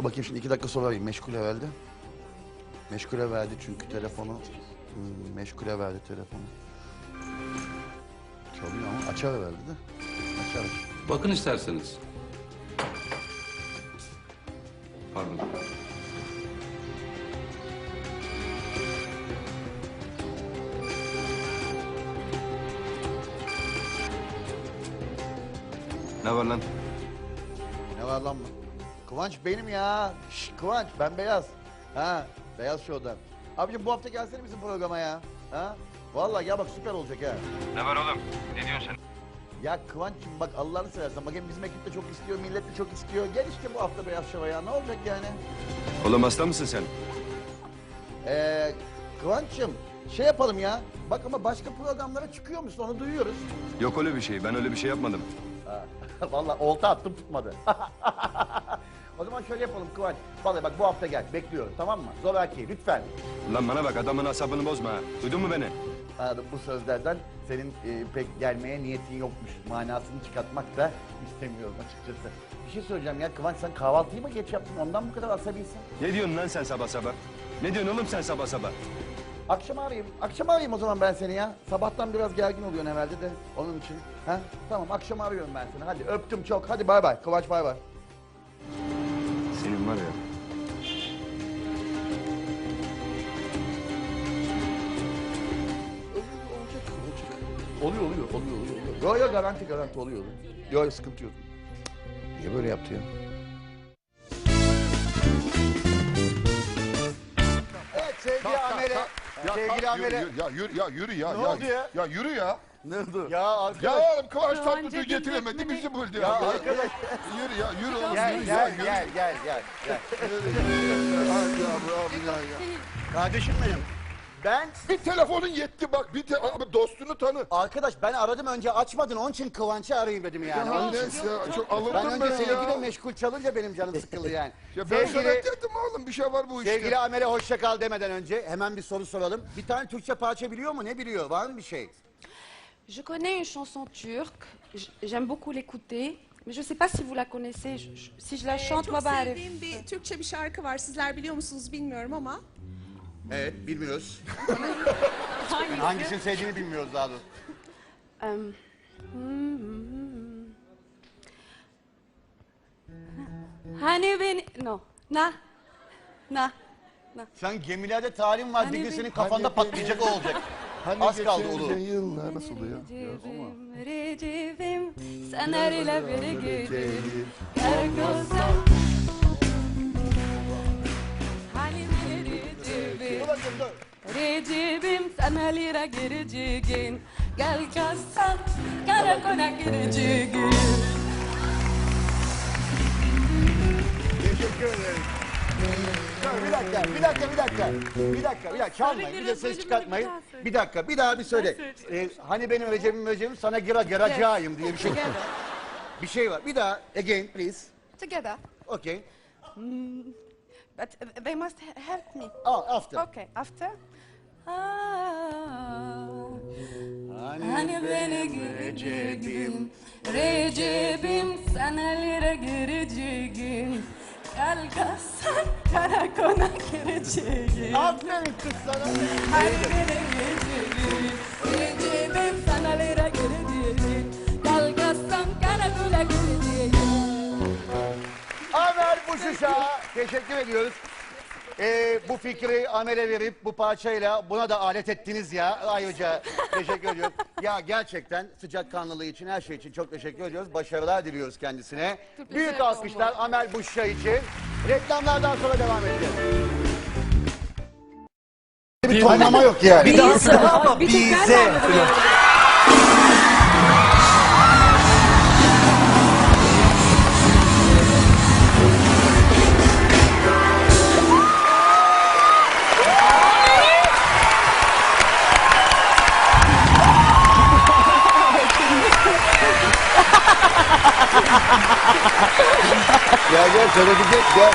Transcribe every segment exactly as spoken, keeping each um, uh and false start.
Bakayım şimdi iki dakika sonra arayayım. Meşgule verdi. Meşgule verdi çünkü telefonu. Hmm, meşgule verdi telefonu. Çalıyor ama açar verdi de. Açar aç. Bakın isterseniz. Pardon. Ne var lan? Ne var lan mı? Kıvanç benim ya. Şş, Kıvanç ben Beyaz. Ha Beyaz Show'dan. Abicim bu hafta gelsene bizim programa ya. Ha? Vallahi ya bak süper olacak ha. Ne var oğlum? Ne diyorsun sen? Ya Kıvanç'cığım bak Allah'ını seversen. Bak hem bizim ekip de çok istiyor, millet de çok istiyor. Gel işte bu hafta Beyaz Show'a ya. Ne olacak yani? Oğlum hasta mısın sen? Ee, Kıvanç'cığım şey yapalım ya. Bak ama başka programlara çıkıyor musun onu duyuyoruz. Yok öyle bir şey. Ben öyle bir şey yapmadım. Ha, vallahi olta attım tutmadı. O zaman şöyle yapalım Kıvanç. Vallahi bak bu hafta gel bekliyorum tamam mı? Zoraki lütfen. Lan bana bak, adamın asabını bozma ha. Duydun mu beni? Anladım, bu sözlerden senin e, pek gelmeye niyetin yokmuş. Manasını çıkartmak da istemiyorum açıkçası. Bir şey söyleyeceğim ya Kıvanç sen kahvaltıyı mı geç yaptın ondan bu kadar asabisin? Ne diyorsun lan sen sabah sabah? Ne diyorsun oğlum sen sabah sabah? Akşam arayayım. Akşam arayayım o zaman ben seni ya. Sabahtan biraz gergin oluyorsun herhalde de onun için. Ha? Tamam akşam arıyorum ben seni. Hadi öptüm çok. Hadi bay bay. Kıvanç bay bay. Senin var ya. Olacak, olacak. Oluyor, oluyor, oluyor, oluyor. Yok yok garanti garanti oluyor. Yok sıkıntı yok. Niye böyle yaptı ya? Evet sevgili Amele. Ya, Sevgili kalk, Amele. yürü, yürü, ya yürü ya yürü ya. Ne ya, oldu ya? Ya yürü ya. Ne oldu? Ya arkadaş. Ya oğlum Kıvanç Kıvanç Tatlıtuğ Edip getiremedi Ekmeni- bizi buldu Ya ya. arkadaş. Yürü ya yürü oğlum Gel yürü ya. gel Yürü. gel gel gel. gel. Ay ya abi ya ya. Kardeşim benim. Ben Bir telefonun yetti bak bir te abi dostunu tanı. arkadaş ben aradım önce açmadın onun için Kıvanç'ı arayayım dedim yani. Ya Onun için. neyse ya çok Ben alındım önce ben sevgili ya. meşgul çalınca benim canım sıkıldı yani. Ya ben sana sevgili, dedim oğlum bir şey var bu işte. sevgili Amele hoşça kal demeden önce hemen bir soru soralım. Bir tane Türkçe parça biliyor mu? Ne biliyor? Var mı bir şey? Je connais une chanson turque, j- j'aime beaucoup l'écouter, mais je ne sais pas si vous la connaissez. Je- je- si je la Ee, chante, çok ma belle. sevdiğim bir Türkçe bir şarkı var. Sizler biliyor musunuz bilmiyorum ama. Evet bilmiyoruz. Hangisi? Hangisini sevdiğini bilmiyoruz daha doğrusu. Euh, hmm, hmm. Hani beni... No. Na. Na. Na. Sen gemilerde talim var Hani bir gün bir- senin kafanda Hani patlayacak o olacak. Hani Az kaldı geçen Ulu. yıllar nasıl oluyor? Recep'im, Recep'im, sen her ile bir gecelim. Kargosa. Hani beni Recep'im. Dur bakayım dur. Recep'im sana lira gireceğin. Gel kasan karakola gireceğin. Teşekkür ederim. Dur, bir dakika, bir dakika, bir dakika. Bir dakika, bir dakika. Çalmayın, bir de ses çıkartmayın. Bir dakika, bir daha bir söyle. Ee, hani benim Recep'im Recep'im sana gira giracağım diye bir şey. Together. Bir şey var. Bir daha, again please. Together. Okay. But they must help me. Oh, after. Okay, after. Hani beni gireceğim, Recep'im sana lira gireceğim. Gel kasan karakola gireceğim. Aferin kız sana. Hani beni gireceğim, Recep'im sana lira gireceğim. Gel kasan karakola gireceğim. Amer Buşuş'a teşekkür ediyoruz. Ee, bu fikri Amel'e verip bu parçayla buna da alet ettiniz ya. Ayrıca teşekkür ediyoruz. Ya gerçekten sıcakkanlılığı için her şey için çok teşekkür ediyoruz. Başarılar diliyoruz kendisine. Büyük alkışlar Amel Buşuş'a için. Reklamlardan sonra devam edeceğiz. Bir tonlama yok yani. Bir daha söyle ama bize. Gel gel söyleyecek gel.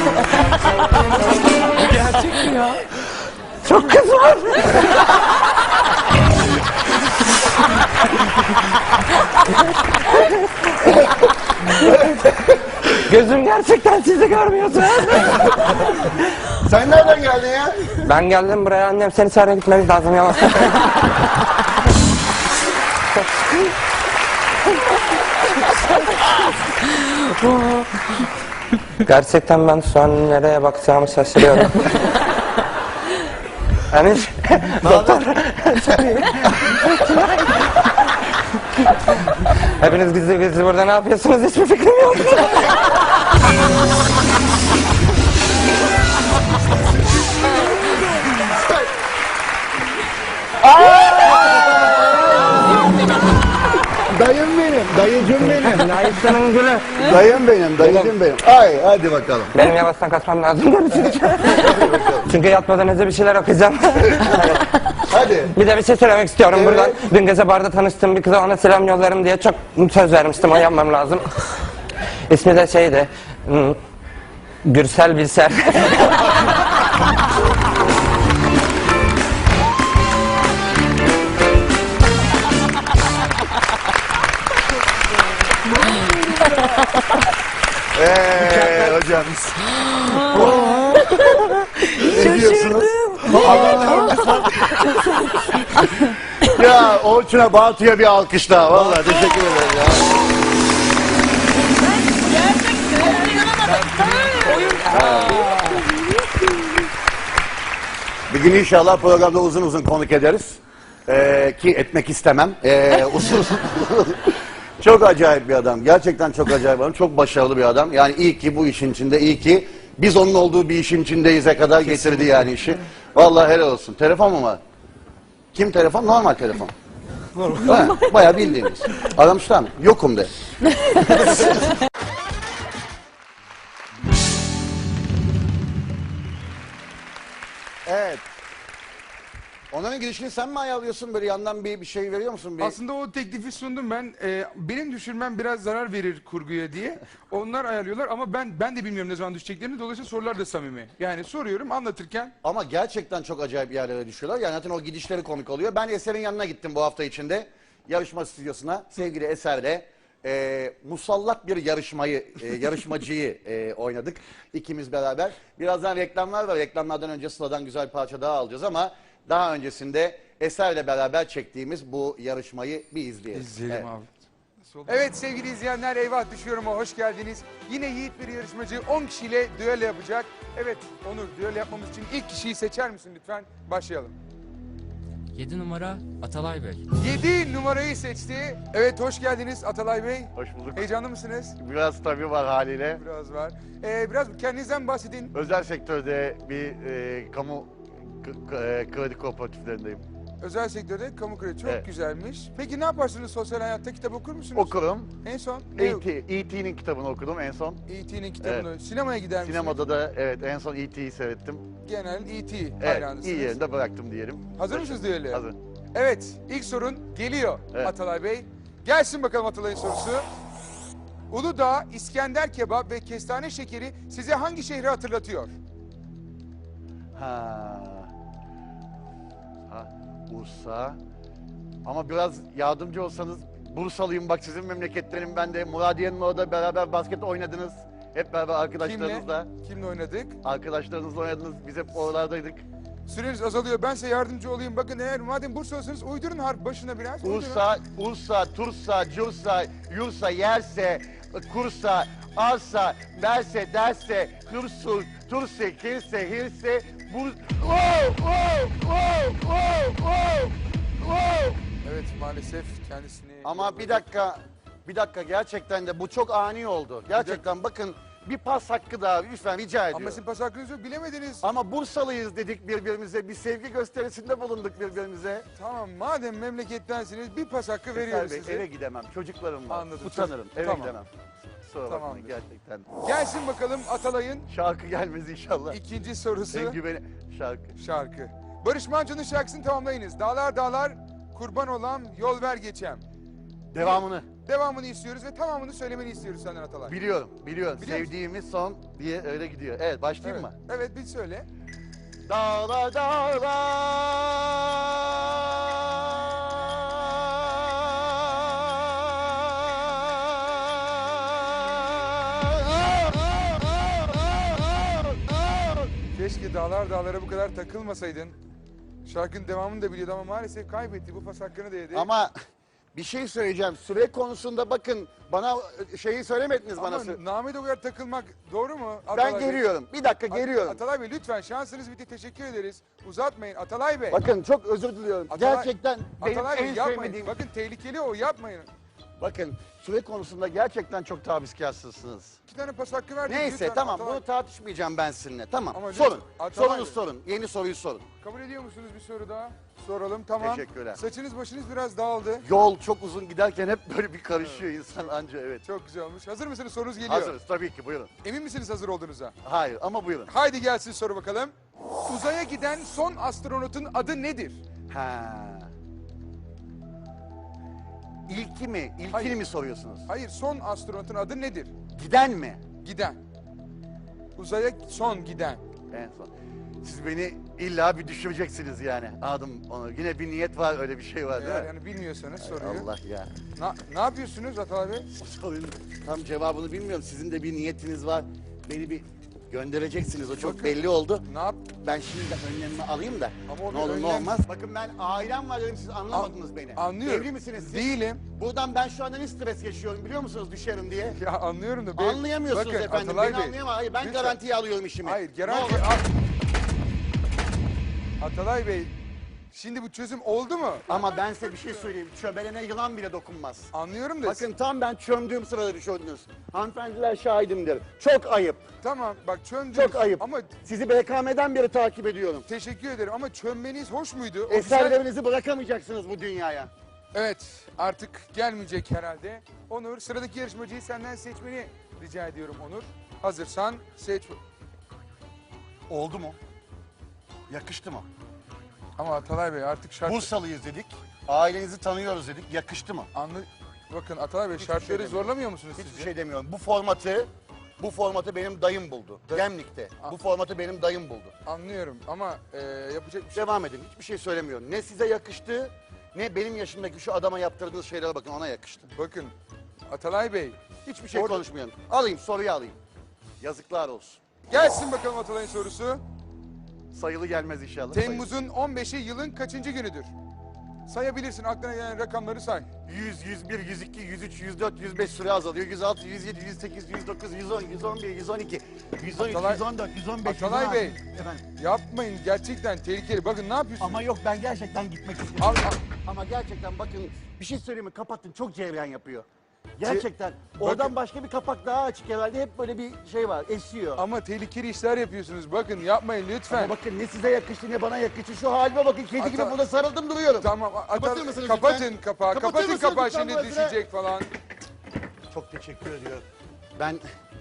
Gerçek mi ya? Çok kız var. Gözüm gerçekten sizi görmüyordu. Sen nereden geldin ya? Ben geldim buraya, annem seni çağırıyor, gitmemiz lazım yavaş. Gerçekten ben şu an nereye bakacağımı şaşırıyorum. Hani doktor. Hepiniz gizli gizli burada ne yapıyorsunuz, hiçbir fikrim yok. Dayım benim, dayıcım benim. Dayısının gülü. Dayım benim, dayıcım benim. Ay hadi bakalım. Benim yavaştan kaçmam lazım. Çünkü yatmadan önce bir şeyler okuyacağım. Hadi. Bir de bir şey söylemek istiyorum Evet. buradan. Dün gece barda tanıştığım bir kıza ona selam yollarım diye çok söz vermiştim. O yapmam lazım. İsmi de şeydi. hmm, Gürsel Bilser. Eee hocam. Ne diyorsunuz? Ya Orçun'a, Bartu'ya bir alkış daha. Vallahi teşekkür ederim ya. Bir gün inşallah programda uzun uzun konuk ederiz. Ee, ki etmek istemem. Ee, uzun uzun. Çok acayip bir adam. Gerçekten çok acayip bir adam. Çok başarılı bir adam. Yani iyi ki bu işin içinde, iyi ki biz onun olduğu bir işin içindeyiz'e kadar getirdi yani işi. Vallahi helal olsun. Telefon mu var? Kim telefon? Normal telefon. Normal. Bayağı bildiğiniz. Aramışlar mı? Yokum de. Evet. Onların girişini sen mi ayarlıyorsun? Böyle yandan bir, bir şey veriyor musun? Bir... Aslında o teklifi sundum ben. Ee, benim düşürmem biraz zarar verir kurguya diye. Onlar ayarlıyorlar ama ben ben de bilmiyorum ne zaman düşeceklerini. Dolayısıyla sorular da samimi. Yani soruyorum anlatırken. Ama gerçekten çok acayip yerlere düşüyorlar. Yani zaten o gidişleri komik oluyor. Ben Eser'in yanına gittim bu hafta içinde. Yarışma stüdyosuna. Sevgili Eser'le e, musallat bir yarışmayı, e, yarışmacıyı e, oynadık. İkimiz beraber. Birazdan reklamlar var. Reklamlardan önce Sıla'dan güzel bir parça daha alacağız ama daha öncesinde Eser'le beraber çektiğimiz bu yarışmayı bir izleyelim. İzleyelim Evet. abi. Evet sevgili izleyenler, Eyvah Düşüyorum'a hoş geldiniz. Yine yiğit bir yarışmacı on kişiyle düello yapacak. Evet Onur, düello yapmamız için ilk kişiyi seçer misin lütfen? Başlayalım. yedi numara Atalay Bey. yedi numarayı seçti. Evet hoş geldiniz Atalay Bey. Hoş bulduk. Heyecanlı mısınız? Biraz tabii var haliyle. Biraz var. Ee, biraz kendinizden bahsedin. Özel sektörde bir e, kamu k- e, kredi kooperatiflerindeyim. Özel sektörde kamu kredi çok Evet. güzelmiş. Peki ne yaparsınız sosyal hayatta? Kitap okur musunuz? Okurum. En son ne? E T E T'nin kitabını okudum en son. E T'nin kitabını. Sinemaya gider misiniz? Sinemada da evet en son E T'yi seyrettim. Genel E T Evet, hayranısınız. iyi yerinde bıraktım diyelim. Hazır mısınız düelloya? Hazır. Evet, ilk sorun geliyor Evet. Atalay Bey. Gelsin bakalım Atalay'ın sorusu. Uludağ, İskender kebap ve kestane şekeri size hangi şehri hatırlatıyor? Ha. Ha, Bursa. Ama biraz yardımcı olsanız, Bursalıyım bak, sizin memleketlerim ben de. Muradiye'nin orada beraber basket oynadınız. Hep beraber arkadaşlarınızla. Kimle? Kimle oynadık? Arkadaşlarınızla oynadınız. Biz hep oralardaydık. Süreniz azalıyor. Ben size yardımcı olayım. Bakın eğer madem Bursalısınız uydurun harf başına biraz. uydurun. Ursa, Ursa, Tursa, Cursa, Yursa, Yerse, Kursa, Arsa, Derse, Derse, Hırsul, Turse, Kirse, Hirse, Bur... Wow, wow, wow, wow, wow, wow. Evet maalesef kendisini... Ama bir dakika, bir dakika gerçekten de bu çok ani oldu. Gerçekten bakın bir pas hakkı daha lütfen rica ediyorum. Ama sizin pas hakkınız yok bilemediniz. Ama Bursalıyız dedik birbirimize, bir sevgi gösterisinde bulunduk birbirimize. Tamam madem memlekettensiniz bir pas hakkı Eser veriyoruz Bey, size. eve gidemem, çocuklarım var. Anladım. Utanırım, eve Tamam. gidemem. Kusura bakmayın Tamamdır. gerçekten. Gelsin bakalım Atalay'ın Şarkı gelmez inşallah. ikinci sorusu. En güveni şarkı. Şarkı. Barış Manço'nun şarkısını tamamlayınız. Dağlar dağlar kurban olan yol ver geçem. Devamını. Devamını istiyoruz ve tamamını söylemeni istiyoruz senden Atalay. Biliyorum, biliyorum. Biliyor musun? Sevdiğimiz son diye öyle gidiyor. Evet, başlayayım Evet. mı? Evet bir söyle. Dağlar dağlar. Keşke dağlar dağlara bu kadar takılmasaydın. Şarkının devamını da biliyordu ama maalesef kaybetti. Bu pas hakkını da yedi. Ama bir şey söyleyeceğim. Süre konusunda bakın bana şeyi söylemediniz bana. Ama sü- Name o kadar takılmak doğru mu? Ben Atalay Bey? geliyorum. Bir dakika At- geliyorum. Atalay Bey lütfen şansınız bitti. Teşekkür ederiz. Uzatmayın Atalay Bey. Bakın çok özür diliyorum. Atalay- Gerçekten benim Atalay Bey en yapmayın. sevmediğim... Bakın tehlikeli o, yapmayın. Bakın süre konusunda gerçekten çok tavizkarsınız. İki tane pas hakkı verdik. Neyse lütfen tamam Atalay- bunu tartışmayacağım ben sizinle. Tamam Ama lütfen, sorun. Atalay Sorunuz Bey. sorun. Yeni soruyu sorun. Kabul ediyor musunuz bir soru daha? Soralım tamam. Teşekkürler. Saçınız başınız biraz dağıldı. Yol çok uzun giderken hep böyle bir karışıyor insan anca evet. Çok güzel olmuş. Hazır mısınız? Sorunuz geliyor. Hazırız tabii ki buyurun. Emin misiniz hazır olduğunuza? Hayır ama buyurun. Haydi gelsin soru bakalım. Uzaya giden son astronotun adı nedir? Ha. İlki mi? İlkini Hayır. mi soruyorsunuz? Hayır, son astronotun adı nedir? Giden mi? Giden. Uzaya son giden. En son. Siz beni illa bir düşüreceksiniz yani. Adım onu. Yine bir niyet var öyle bir şey var değil Eğer mi? yani bilmiyorsanız Hay soruyu. Allah ya. Na, ne yapıyorsunuz Atalay Bey? Sorunun tam cevabını bilmiyorum. Sizin de bir niyetiniz var. Beni bir göndereceksiniz. O çok Bakın. belli oldu. Ne yap? Ben şimdi de önlemimi alayım da. Ama o Ne bir olur ne önlem- olmaz. Bakın ben ailem var dedim siz anlamadınız beni. Anlıyorum. Evli misiniz siz? Değilim. Buradan ben şu anda ne stres yaşıyorum biliyor musunuz düşerim diye. Ya anlıyorum da. bey- Anlayamıyorsunuz Bakın, efendim. Atalay Beni Bey, anlayamam. Hayır ben lütfen. garantiye alıyorum işimi. Hayır, Ne garanti... olur. At- Atalay Bey, şimdi bu çözüm oldu mu? Ama ben size bir şey söyleyeyim. Çöbelene yılan bile dokunmaz. Anlıyorum da. Bakın tam ben çömdüğüm sırada düşürdünüz. Hanımefendiler şahidimdir. Çok ayıp. Tamam bak çöndünüz. Çok ayıp. Ama Sizi B K M'den beri takip ediyorum. teşekkür ederim ama çönmeniz hoş muydu? O güzel- Eserlerinizi bırakamayacaksınız bu dünyaya. Evet artık gelmeyecek herhalde. Onur sıradaki yarışmacıyı senden seçmeni rica ediyorum Onur. Hazırsan seç. Oldu mu? Yakıştı mı? Ama Atalay Bey artık şart... Bursalıyız dedik. Ailenizi tanıyoruz dedik. Yakıştı mı? Anlı... Bakın Atalay Bey Hiçbir şartları şey demiyorum. zorlamıyor musunuz Hiçbir sizce? şey demiyorum. Bu formatı bu formatı benim dayım buldu. Da- Gemlik'te. A- Bu formatı benim dayım buldu. Anlıyorum ama e, yapacak bir şey... Devam edin. Hiçbir şey söylemiyorum. Ne size yakıştı ne benim yaşımdaki şu adama yaptırdığınız şeylere bakın ona yakıştı. Bakın Atalay Bey Hiçbir şey Orada- konuşmuyorum. Alayım soruyu alayım. Yazıklar olsun. gelsin bakalım Atalay'ın sorusu. Sayılı gelmez inşallah. Temmuz'un on beşi yılın kaçıncı günüdür? Sayabilirsin aklına gelen rakamları say. yüz, yüz bir, yüz iki, yüz üç, yüz dört, yüz beş süre azalıyor. yüz altı, yüz yedi, yüz sekiz, yüz dokuz, yüz on, yüz on bir, yüz on iki, yüz on üç, Atalay- yüz on dört, yüz on beş, Atalay yüz on altı. Bey. Efendim. Yapmayın gerçekten tehlikeli. Bakın ne yapıyorsunuz? Ama yok ben gerçekten gitmek istiyorum. Al- al- Ama gerçekten bakın bir şey söyleyeyim mi? Kapattın çok cevren yapıyor. Gerçekten. Oradan başka bir kapak daha açık herhalde. Hep böyle bir şey var. Esiyor. Ama tehlikeli işler yapıyorsunuz. Bakın yapmayın lütfen. Ama bakın ne size yakıştı ne bana yakıştı. Şu halime bakın. Kedi gibi Ata- burada sarıldım duruyorum. Tamam. Atal- Kapatır mısınız kapatın lütfen? kapağı. Kapatır Kapatın mısınız kapağı lütfen şimdi burasını? düşecek falan. Çok teşekkür ediyorum. Ben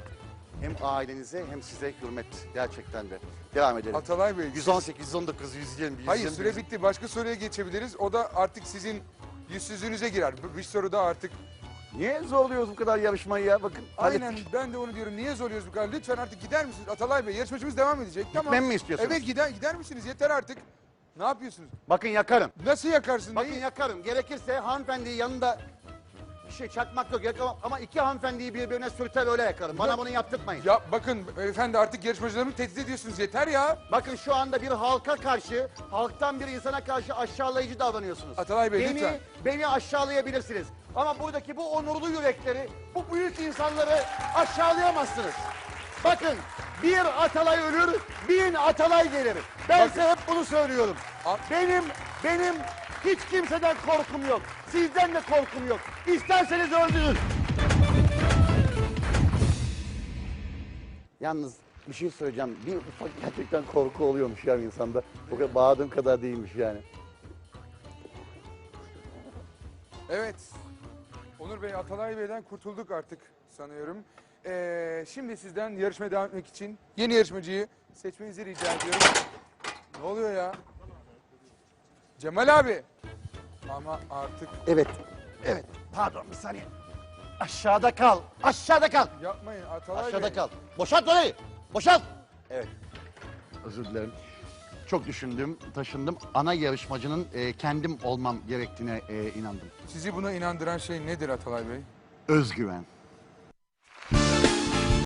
hem ailenize hem size hürmet gerçekten de. Devam edelim. Atalay Bey. yüz on sekiz, yüz on dokuz, yüz yirmi, yüz Hayır yirmi bir. süre bitti. Başka soruya geçebiliriz. O da artık sizin yüzsüzlüğünüze girer. Bu- Bir soru da artık. Niye zorluyoruz bu kadar yarışmayı ya? Bakın. Aynen hallettik. ben de onu diyorum. Niye zorluyoruz bu kadar? Lütfen artık gider misiniz? Atalay Bey yarışmacımız devam edecek. Tamam. Gitmemi mi istiyorsunuz? Evet gider, gider misiniz? Yeter artık. Ne yapıyorsunuz? Bakın yakarım. Nasıl yakarsın? Bakın Neyi? yakarım. Gerekirse hanımefendiyi yanında bir şey çakmak yok yakamam ama iki hanımefendiyi birbirine sürter öyle yakarım. Bana Ya- bunu yaptırtmayın. Ya bakın efendi artık yarışmacılarımı tehdit ediyorsunuz. Yeter ya. Bakın şu anda bir halka karşı, halktan bir insana karşı aşağılayıcı davranıyorsunuz. Atalay Bey, beni, lütfen. Beni aşağılayabilirsiniz. Ama buradaki bu onurlu yürekleri, bu büyük insanları aşağılayamazsınız. Bakın bir Atalay ölür, bin Atalay gelir. Ben Bakın. size hep bunu söylüyorum. A- Benim, benim hiç kimseden korkum yok. Sizden de korkum yok. İsterseniz öldürün. Yalnız bir şey söyleyeceğim. Bir ufak gerçekten korku oluyormuş ya insanda. O kadar bağırdığım kadar değilmiş yani. Evet. Onur Bey, Atalay Bey'den kurtulduk artık sanıyorum. Ee, şimdi sizden yarışmaya devam etmek için yeni yarışmacıyı seçmenizi rica ediyorum. Ne oluyor ya? Cemal abi. Ama artık Evet, evet. Pardon bir saniye. Aşağıda kal, aşağıda kal. yapmayın Atalay Aşağıda Bey. kal. Boşalt orayı, boşalt. Evet. Özür dilerim. Çok düşündüm, taşındım. Ana yarışmacının e, kendim olmam gerektiğine e, inandım. Sizi buna inandıran şey nedir Atalay Bey? Özgüven.